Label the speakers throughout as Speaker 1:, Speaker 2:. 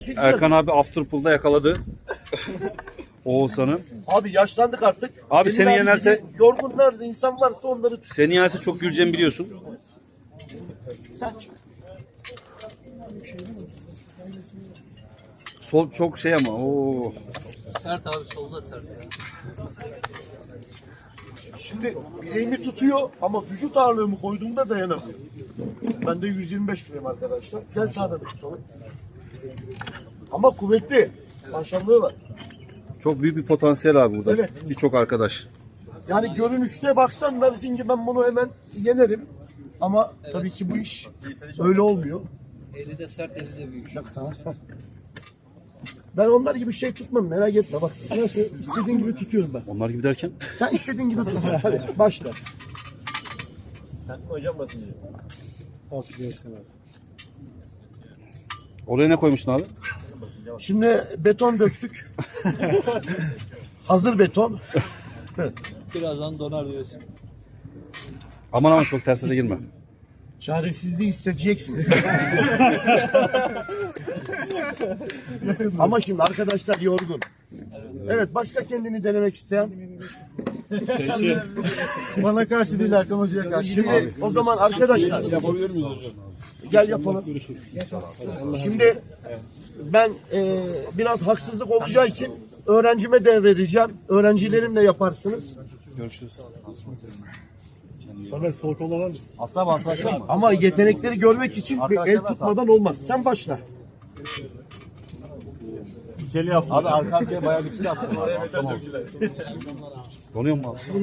Speaker 1: Erkan abi Afterpool'da yakaladı Oğuzhan'ı.
Speaker 2: Abi yaşlandık artık.
Speaker 1: Abi
Speaker 2: Emin
Speaker 1: seni yenerse-
Speaker 2: gibi yorgunlar insan varsa onları
Speaker 1: Seni yerse çok güleceğimi biliyorsun.
Speaker 2: sen çık.
Speaker 1: Sol çok şey ama. Oo.
Speaker 3: Sert abi, solda sert ya.
Speaker 2: Şimdi bileğimi tutuyor ama vücut ağırlığımı koyduğumda dayanamıyor. Ben de 125 kiloyum arkadaşlar. Gel sağda bir tutalım. Ama kuvvetli. Maşallahı var.
Speaker 1: Çok büyük bir potansiyel abi burada.
Speaker 2: Evet.
Speaker 1: Birçok arkadaş.
Speaker 2: Yani görünüşte baksan dersin ki ben bunu hemen yenerim. Ama tabii ki bu iş öyle olmuyor.
Speaker 3: Eli de sert, esi de büyük.
Speaker 2: Ben onlar gibi şey tutmam, merak etme bak. Nasıl istediğin gibi tutuyorum ben.
Speaker 1: Onlar gibi derken?
Speaker 2: Sen istediğin gibi tut. Hadi başla.
Speaker 1: Oraya ne koymuştun abi?
Speaker 2: Şimdi beton döktük. Hazır beton.
Speaker 3: Birazdan donar diyorsun.
Speaker 1: Aman aman çok tersine girme.
Speaker 2: Çaresizliği hissedeceksiniz. Ama şimdi arkadaşlar yorgun. Evet, başka kendini denemek isteyen?
Speaker 4: Bana karşı değil, Erkan Hoca'ya karşı.
Speaker 2: Şimdi o zaman arkadaşlar
Speaker 4: Yapabilir miyiz hocam?
Speaker 2: gel yapalım. Şimdi ben biraz haksızlık olacağı için öğrencime devredeceğim. Öğrencilerimle yaparsınız.
Speaker 4: Samet soğuk olan var mısın?
Speaker 1: Asla bantlaşacak mı?
Speaker 2: Ama yetenekleri görmek için bir el tutmadan olmaz. Sen başla.
Speaker 4: İkili yapsın.
Speaker 1: Abi arka arkaya bayağı bir şey yaptın abi. Tamam. Donuyor mu abi?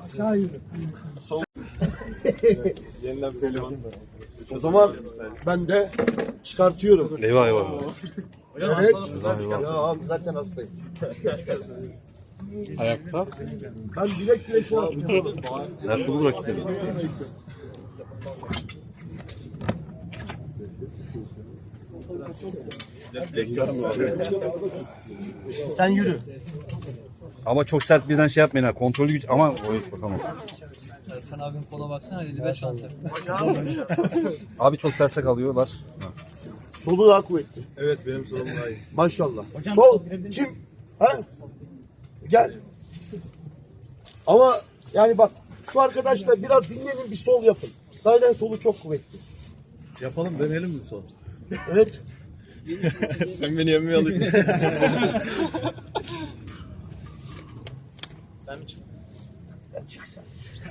Speaker 4: Yeniden pehlivan.
Speaker 2: O zaman ben de çıkartıyorum.
Speaker 1: Eyvah eyvah.
Speaker 2: Evet. Ya zaten hastayım.
Speaker 4: Ayakta.
Speaker 2: Ben bilek bilek şu an tutuyorum.
Speaker 1: Ayakkabı rakipleri.
Speaker 2: Sen yürü.
Speaker 1: Ama çok sert birden şey yapmayın ha. Kontrollü güç ama bakalım.
Speaker 3: Erkan abinin kola baksana, 55 santim.
Speaker 1: Abi çok terse kalıyorlar.
Speaker 2: Solu daha kuvvetli.
Speaker 4: Evet, benim solum daha iyi.
Speaker 2: Maşallah. Sol. Kim? Ha? Gel. Ama yani bak şu arkadaşlar biraz dinlenin, bir sol yapın. Zaten solu çok kuvvetli.
Speaker 4: Yapalım, deneyelim mi son?
Speaker 2: Evet.
Speaker 4: Sen beni yemmeye alıştın.
Speaker 2: Ya çık sen.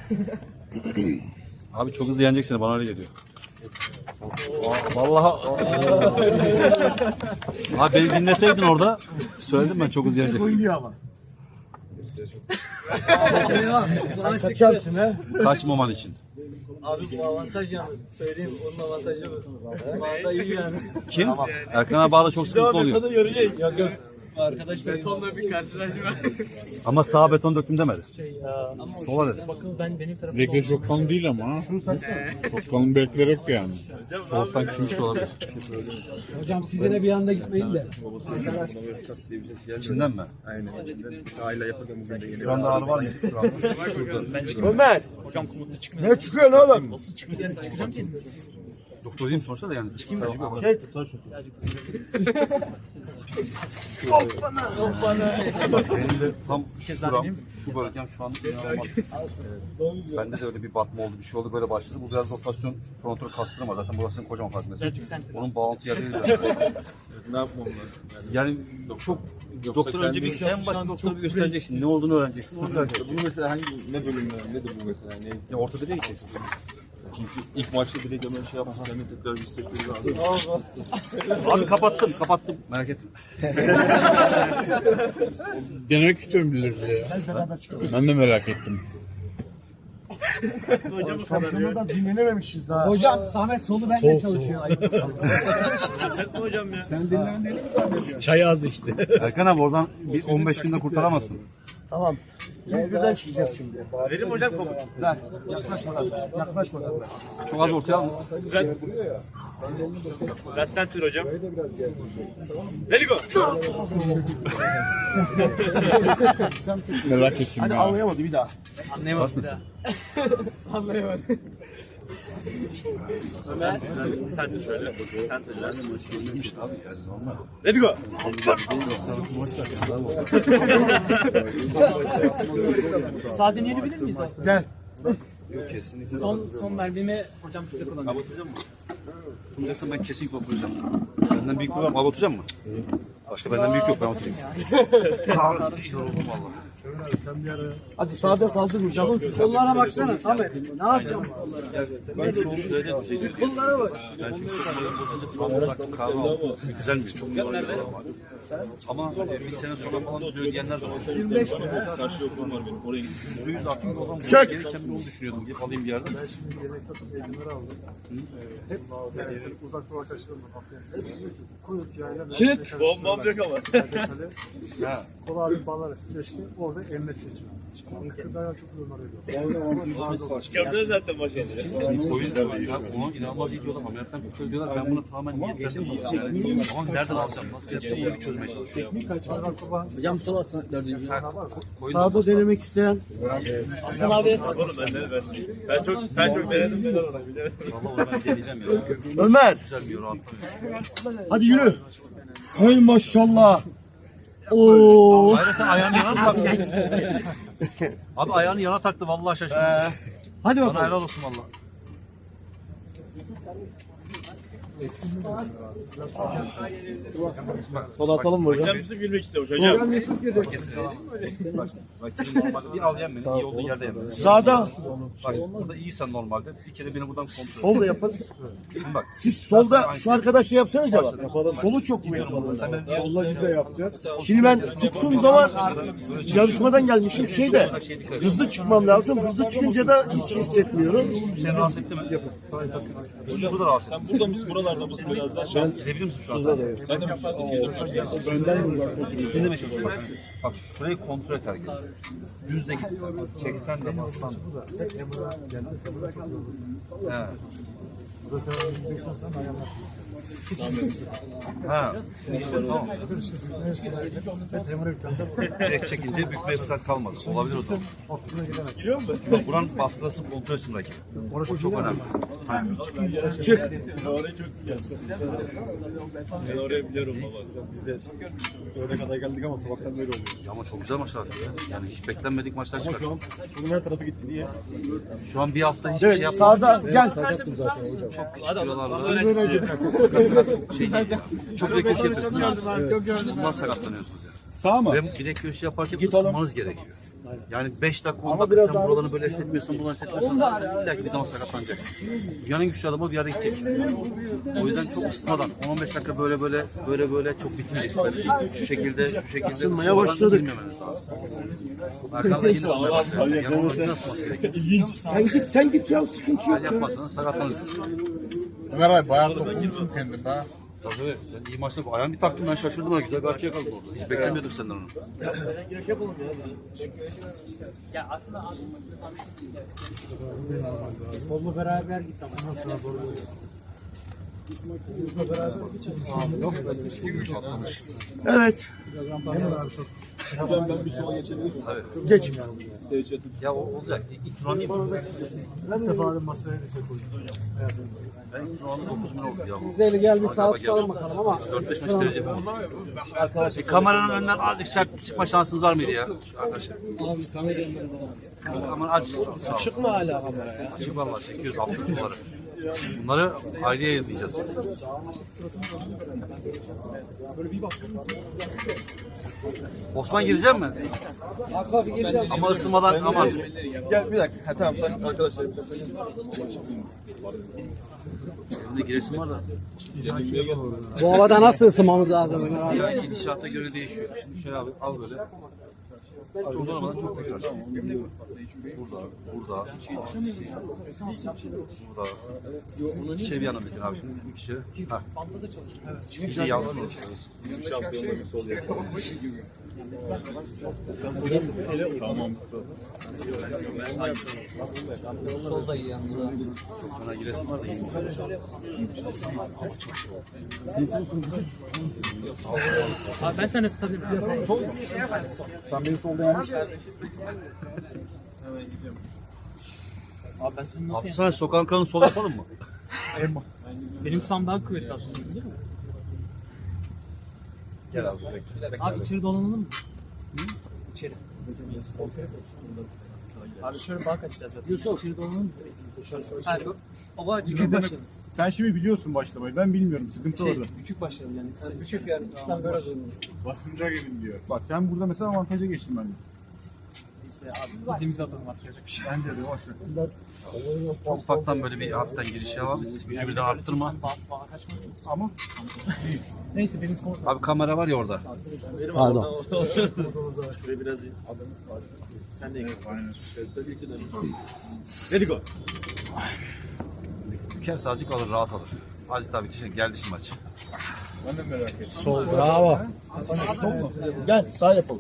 Speaker 1: Abi çok hızlı yenecek seni, bana öyle geliyor. Vallahi. Abi beni dinleseydin orada. Söyledim ben, çok hızlı yenecek.
Speaker 2: Oynuyor ama.
Speaker 3: Bana çıktı.
Speaker 2: Kaçarsın ha.
Speaker 1: Kaçmaman için.
Speaker 3: Abi bu avantaj yalnız. Söyleyeyim, onun avantajı bu. Bağda iyi yani.
Speaker 1: Kim? Erkan abi bağda çok sıkıntı oluyor.
Speaker 3: Yok yok. Arkadaş betonla bir karşılaşma.
Speaker 1: Ama sağa beton döktüm demedi. Sola dedi.
Speaker 5: Bilekler çok kalın değil ama ha. Çok kalın bilekler yok yani.
Speaker 1: Soğuktan küçülmüş de olabilir.
Speaker 6: Hocam sizlere bir anda gitmeyin de.
Speaker 1: İçinden mi?
Speaker 4: Aynen. Aile yapalım bugün de
Speaker 1: Şu anda ağrı var mı? Şu an. Şurada.
Speaker 2: Ömer. Hocam komutlu çıkmıyor. Ne çıkıyor oğlum? Nasıl çıkıyor?
Speaker 3: Çıkacağım ki.
Speaker 1: Doktor diyeyim sonuçta da yani. Çıkayım mı?
Speaker 2: Şey.
Speaker 1: Benim de tam şuram, şu bölgem şu an inanılmaz. Bende de öyle bir batma oldu, bir şey oldu, böyle başladı. Bu biraz rotasyon, frontal kaslarım var. Zaten burasının kocaman farkındasın. Onun bağlantı yerleri de.
Speaker 4: Ne yapmam lazım?
Speaker 1: Yani çok doktor önce bir en başta doktora bir göstereceksin. Ne olduğunu öğreneceksin. Onu öğreneceksin.
Speaker 4: Bu mesela ne bölümler, nedir bu mesela? Ne?
Speaker 1: Ya ortopediye gideceksin.
Speaker 4: Çünkü ilk maçta direkt hemen şey yapmasın, hemen tekrar bir istekleri lazım.
Speaker 1: Abi kapattım. Merak etme.
Speaker 5: Denemek istiyorum bilirdi ya. Ben de merak ettim.
Speaker 2: Şampiyonada dinlenememişiz daha.
Speaker 6: Hocam Samet solu benimle çalışıyor.
Speaker 4: Çay az işte.
Speaker 1: Erkan abi oradan bir 15 günde kurtaramazsın.
Speaker 2: Tamam. Biz birden çıkacağız şimdi. Verim hocam komut. Ver. Yaklaşmadan. Yaklaşmadan.
Speaker 1: Çok az ortaya al.
Speaker 7: Biraz center hocam. Ready go.
Speaker 5: Merak ettim
Speaker 2: Hadi
Speaker 5: ya.
Speaker 2: anlayamadı bir daha.
Speaker 3: Anlayamadım bir daha.
Speaker 6: Anlayamadım.
Speaker 7: Ömer. Sen de şöyle. Sen de şöyle. Let's go.
Speaker 3: Sağ deneyebilir miyiz abi?
Speaker 2: Gel.
Speaker 3: Son mermimi hocam size kullanıyorum.
Speaker 1: Abatacağım mı? Bulacaksan ben kesinlikle oturacağım. Benden büyük bir var mı? Abatacağım mı? Başka benden büyük yok, ben oturayım. İşte oldum valla.
Speaker 6: Hadi sağda saldırmayacağım. Kollara baksana Samet. Ne yapacağım kollara? Kollara bak.
Speaker 1: Ben çünkü çok balık kahve aldım. Güzel mi? Çok güzel. Ama bir sene sonra falan diyor diyenler de var.
Speaker 6: 25 mi?
Speaker 4: Karşı yokluğum var benim. Oraya gittim.
Speaker 1: %100 aklımda olan bu.
Speaker 2: Çek.
Speaker 1: Gelirken bir onu düşünüyordum. Gidip alayım bir yerden.
Speaker 8: Ben şimdi yemek satıp eğitimleri aldım. Hep yani uzak doğu arkadaşlarım var. Hepsi diyor ki Kuyut yayla.
Speaker 2: Çık.
Speaker 4: Bombam yok ama.
Speaker 8: Kola abi bağlar streçli orada emmesi için. Onun kırdayan çok yorumlar ediyor.
Speaker 4: Çıkardın zaten başına.
Speaker 1: O yüzden onu inanılmaz iyi diyorlar. Ameliyattan kurtarıyor diyorlar. Ben bunu tamamen niyetlendim. Ama nereden alacağım? Nasıl yapacağım? Onu bir çözmeye çalışıyorum.
Speaker 6: Hocam sol atsana dördüncü.
Speaker 2: Sağda denemek isteyen.
Speaker 3: Asıl abi.
Speaker 4: Oğlum ben çok denedim ben ona bilemedim.
Speaker 1: Valla onu ben deneyeceğim ya.
Speaker 2: Ömer.
Speaker 1: Güzel bir yorum attı.
Speaker 2: Hadi yürü. Hay maşallah. Oo.
Speaker 1: Hayır sen ayağını yana taktın. Abi ayağını yana taktı vallahi şaşırdım.
Speaker 2: Hadi
Speaker 1: Bana
Speaker 2: bakalım.
Speaker 1: helal olsun valla.
Speaker 2: Sola atalım mı hocam?
Speaker 4: Hocam bizi gülmek istiyormuş hocam.
Speaker 1: Bak bak bir al yem beni. İyi olduğu yerde yem.
Speaker 2: Sağda.
Speaker 1: Bak burada iyisen normalde. Bir kere beni buradan kontrol et.
Speaker 2: Solda yapın.
Speaker 1: Şimdi bak.
Speaker 2: Siz solda şu arkadaşla yapsanıza bak. Solu çok mu yapalım?
Speaker 1: Sen benim
Speaker 8: Solla biz de yapacağız.
Speaker 2: Şimdi ben tuttuğum zaman yarışmadan gelmişim şeyde hızlı çıkmam lazım. Hızlı çıkınca da hiç hissetmiyorum.
Speaker 1: seni rahatsız etti mi? Şurada da rahatsız etti.
Speaker 4: Sen burada mısın? Buralarda mısın biraz daha? Şu an
Speaker 1: Gidebilir misin şu an?
Speaker 4: sen de fazla
Speaker 2: Önden mi uzakta oturuyorsun?
Speaker 1: Ne demek istiyorsun? Bak şurayı kontrol et herkes. Düz de gitsen, çeksen de bassan. He. Ha, tamam. Direkt çekince bükmeye fırsat kalmadı. Olabilir o zaman.
Speaker 4: giriyor mu?
Speaker 1: Yok, buranın baskısı kontrol etsin rakip. O çok önemli. Ha.
Speaker 2: Çık.
Speaker 4: Orayı çok biliyorsun. Ben orayı biliyorum baba.
Speaker 8: Biz de öğle kadar geldik ama sabahtan böyle oluyor.
Speaker 1: Ya ama çok güzel maçlar ya. Yani hiç beklenmedik maçlar
Speaker 8: Ama
Speaker 1: çıkar.
Speaker 8: şu an bunun her tarafı gitti. Niye?
Speaker 1: Şu an bir hafta hiçbir
Speaker 2: Evet
Speaker 1: şey yapmadık.
Speaker 2: sağda gel.
Speaker 8: Sakattım zaten hocam.
Speaker 1: Çok küçük kilolarla. Çok şey değil. Çok büyük iş yapıyorsun ya. Bundan sakatlanıyorsunuz ya.
Speaker 8: Sağ mı?
Speaker 1: Ve bilek göğüs yaparken
Speaker 8: Git oğlum.
Speaker 1: ısınmanız gerekiyor. Yani 5 dakika 10 dakika sen buralarını böyle hissetmiyorsun, buralarını hissetmiyorsan illa ki bir zaman sakatlanacaksın. Dünyanın güçlü adamı bir yere gidecek. O yüzden çok ısıtmadan 10-15 dakika böyle çok bitmeyeceksin tabii ki. Şu şekilde ısınmadan
Speaker 2: başladık.
Speaker 1: girmemeniz lazım. Arkanda yine ısınmaya başlıyor. Yani onu yine ısınması gerekiyor.
Speaker 2: Sen git ya sıkıntı yok.
Speaker 1: Eğer yapmazsanız sakatlanırsınız.
Speaker 5: Ömer abi bayağı dokunmuşsun kendin be.
Speaker 1: Tabii sen iyi maçta ayağını bir taktın ben şaşırdım ha güzel bir açı yakaladım orada. Hiç beklemiyordum senden onu.
Speaker 3: Ya aslında abi
Speaker 6: Kolla beraber git ama.
Speaker 2: Evet.
Speaker 4: Hocam ben bir sola geçebilir miyim?
Speaker 2: Geç.
Speaker 1: Ya o olacak. İlk tur alayım mı?
Speaker 8: Bir defa da masaya bir şey koydum.
Speaker 1: Ben ilk tur aldım 9 bin oldu ya.
Speaker 6: Güzel gel bir saat tutalım bakalım ama.
Speaker 1: 4-5 maç derece mi? Kameranın önünden azıcık çıkma şansınız var mıydı ya? Arkadaşlar.
Speaker 6: Abi kamerayı
Speaker 1: Aman aç. Sağ ol.
Speaker 6: çıkma hala kameraya.
Speaker 1: Açık valla çekiyoruz haftalık bunları. Bunları ayrı yayınlayacağız. Osman girecek mi?
Speaker 6: Hafif hafif geleceğiz.
Speaker 1: Ama ısınmadan aman.
Speaker 4: Gel bir dakika. Ha, tamam sen arkadaşlar yapacaksın.
Speaker 1: Benim de giresim var da.
Speaker 6: Bu havada nasıl ısınmamız lazım Ömer abi?
Speaker 1: Ya gidişata göre değişiyor. Şimdi şöyle abi al böyle. Çok uzanmadan çok güzel. Burada. Burada. Şey bir yana bakın abi şimdi bir kişi. Ha. Bir şey yansıyor.
Speaker 4: Şampiyonluğu sol yap. Tamam.
Speaker 6: Solda iyi yanında.
Speaker 1: Bana giresim var da iyi.
Speaker 3: Abi ben seni tutabilirim.
Speaker 8: Sen beni solda yanlış.
Speaker 7: Abi ben seni nasıl
Speaker 1: Hapishane sokağın kanını sol yapalım mı?
Speaker 7: Benim sağım daha kuvvetli aslında değil mi?
Speaker 1: Gel abi.
Speaker 7: Abi içeri dolanalım mı? İçeri. Abi şöyle bank açacağız zaten. Yusuf. İçeri dolanalım mı? Hadi. Ama küçük başladı.
Speaker 8: Sen şimdi biliyorsun başlamayı. Ben bilmiyorum. Sıkıntı orada.
Speaker 7: Küçük başladı yani. Küçük yani. İşlem böyle oluyor.
Speaker 5: Basınca gelin diyor.
Speaker 8: Bak sen burada mesela avantaja geçtin bende.
Speaker 7: Neyse abi. Gittiğimizi atalım artık yapacak bir şey.
Speaker 8: Bence de boş ver.
Speaker 1: Ufaktan böyle bir hafiften giriş yap abi. Gücü bir de arttırma.
Speaker 7: Bana kaçma.
Speaker 8: Ama
Speaker 7: Neyse deniz komutanı.
Speaker 1: Abi kamera var ya orada.
Speaker 6: Pardon.
Speaker 7: Şuraya biraz iyi. Sen de gel.
Speaker 5: Aynen.
Speaker 7: Ready go.
Speaker 1: Bir kere sadece alır, rahat alır. Aziz abi geldi şimdi maç.
Speaker 5: Ben de merak ettim.
Speaker 6: Sol. Bravo.
Speaker 2: Gel sağ yapalım.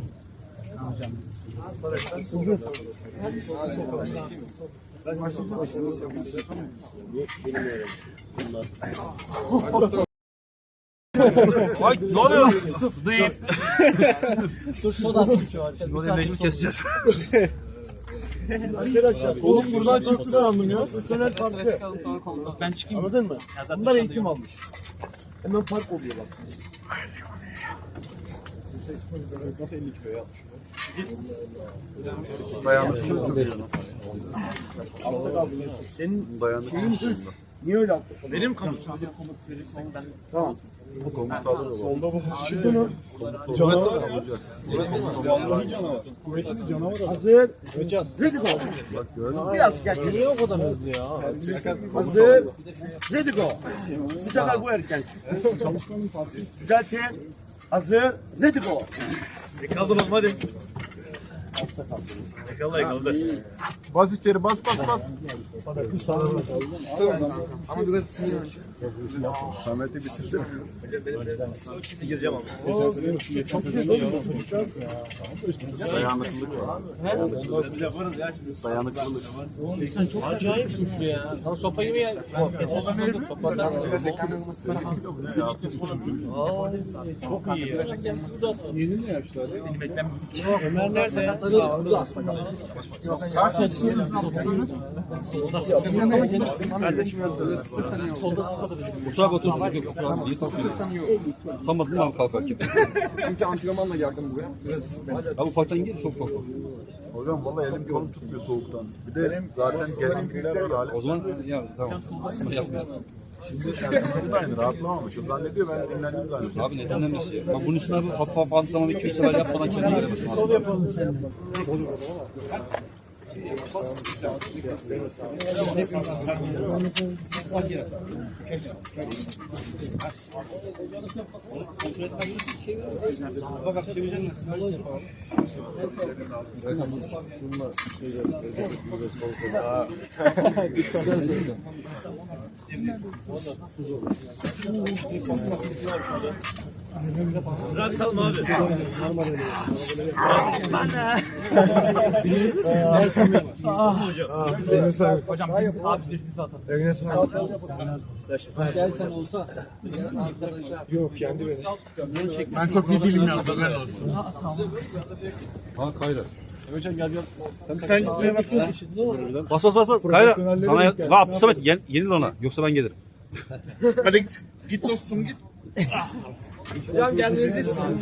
Speaker 1: Ay ne oluyor? Değil.
Speaker 7: Soda şu an.
Speaker 1: Oraya mecbur keseceğiz.
Speaker 2: Arkadaşlar oğlum buradan çıktı sandım ya. Seneler farklı.
Speaker 7: Ben çıkayım.
Speaker 2: Anladın mı?
Speaker 7: Ya zaten
Speaker 2: Bunlar
Speaker 7: şu
Speaker 2: eğitim
Speaker 7: anda
Speaker 2: almış. Hemen fark oluyor bak.
Speaker 1: Dayanıklı.
Speaker 2: Senin
Speaker 1: Dayanıklı.
Speaker 2: şeyin hırs. Niye öyle atladın?
Speaker 7: Benim komut. Komut verirsen ben
Speaker 2: Tamam.
Speaker 8: solda bu
Speaker 2: Çıktı mı?
Speaker 8: vallahi canavar. Kuvvetli bir canavar.
Speaker 2: Hazır. Ready go. Biraz gel. Niye o kadar hızlı ya? Hazır. Ready go. Bu sefer bu erken.
Speaker 8: Çalışmanın farkı.
Speaker 2: Düzeltin. Hazır. Ready go.
Speaker 7: Yakaladım oğlum hadi. Yakaladı.
Speaker 8: Bas içeri bas bas bas.
Speaker 7: Ama biraz sinir.
Speaker 8: Samet'i bitirsene.
Speaker 7: Gireceğim ama.
Speaker 1: Dayanıklılık var. Dayanıklılık.
Speaker 7: Sen çok acayip suçlu ya. Lan sopa gibi ya. Geçen sezonda sopadan. Çok iyi ya.
Speaker 8: Yeni ne yaşlar?
Speaker 7: Benim eklem.
Speaker 6: Ömer nerede?
Speaker 7: Solda sıkabilirim.
Speaker 1: Otur abi otur. Yok otur abi. İyi kalkıyorsun. Tutamadın mı abi kalkarken?
Speaker 3: Çünkü antrenmanla geldim buraya. Biraz
Speaker 1: Abi ufaktan gir çok ufak.
Speaker 8: Hocam vallahi elim kolum tutmuyor soğuktan. Bir de zaten gelen biriler var.
Speaker 1: O zaman ya tamam. Yapmayacağız.
Speaker 8: Şimdi Ersin'de de aynı rahatlamamış. O zannediyor ben dinlendim zannediyorum.
Speaker 1: Abi neden demesi ya? Bunun üstüne abi hafif hafif antrenman 2-3 sefer yapmadan kendini veremezsin aslında.
Speaker 7: Bırakalım abi. Hocam abi bir zaten.
Speaker 3: gelsen olsa.
Speaker 8: Yok kendi benim. Ben çok iyi değilim ya. Haber olsun.
Speaker 1: Ha Kayra.
Speaker 8: Sen gitmeye baksana.
Speaker 1: Bas bas bas bas. Kayra sana ya. Vah Samet yenil ona. Yoksa ben gelirim.
Speaker 8: Hadi git dostum git.
Speaker 3: Hocam gelmenizi istiyorum.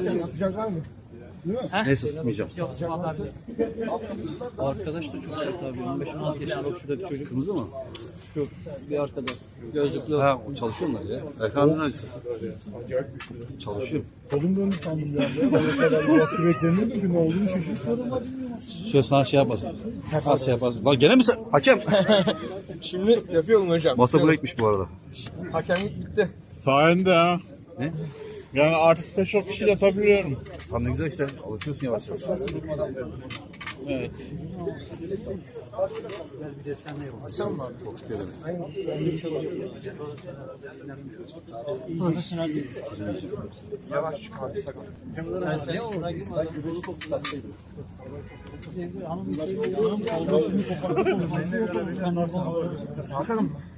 Speaker 1: Neyse tutmayacağım.
Speaker 7: Yok cevap verdi.
Speaker 3: Arkadaş da çok kötü abi. 15-16 yaşında bak şuradaki çocuk.
Speaker 1: Kırmızı mı?
Speaker 3: Şu bir arkadaş. Gözlüklü.
Speaker 1: Ha o çalışıyorlar ya. Ekranın acısı. Çalışıyor.
Speaker 8: Kolum döndü sandım ya. Ben o kadar baskı beklemiyordum ki ne olduğunu şaşırtıyorum.
Speaker 1: Şöyle sana şey yapasın. Az şey yapasın. Lan gene mi sen? Hakem.
Speaker 3: Şimdi yapıyorum hocam.
Speaker 1: Masa breakmiş bu arada.
Speaker 3: Hakemlik bitti.
Speaker 5: Sayende ha.
Speaker 1: Ne?
Speaker 5: Yani artık da çok kişi yapabiliyorum.
Speaker 1: Tam ne güzel işte. Alışıyorsun yavaş yavaş.
Speaker 5: Evet.
Speaker 3: Sen oraya gitme.
Speaker 8: Atalım mı?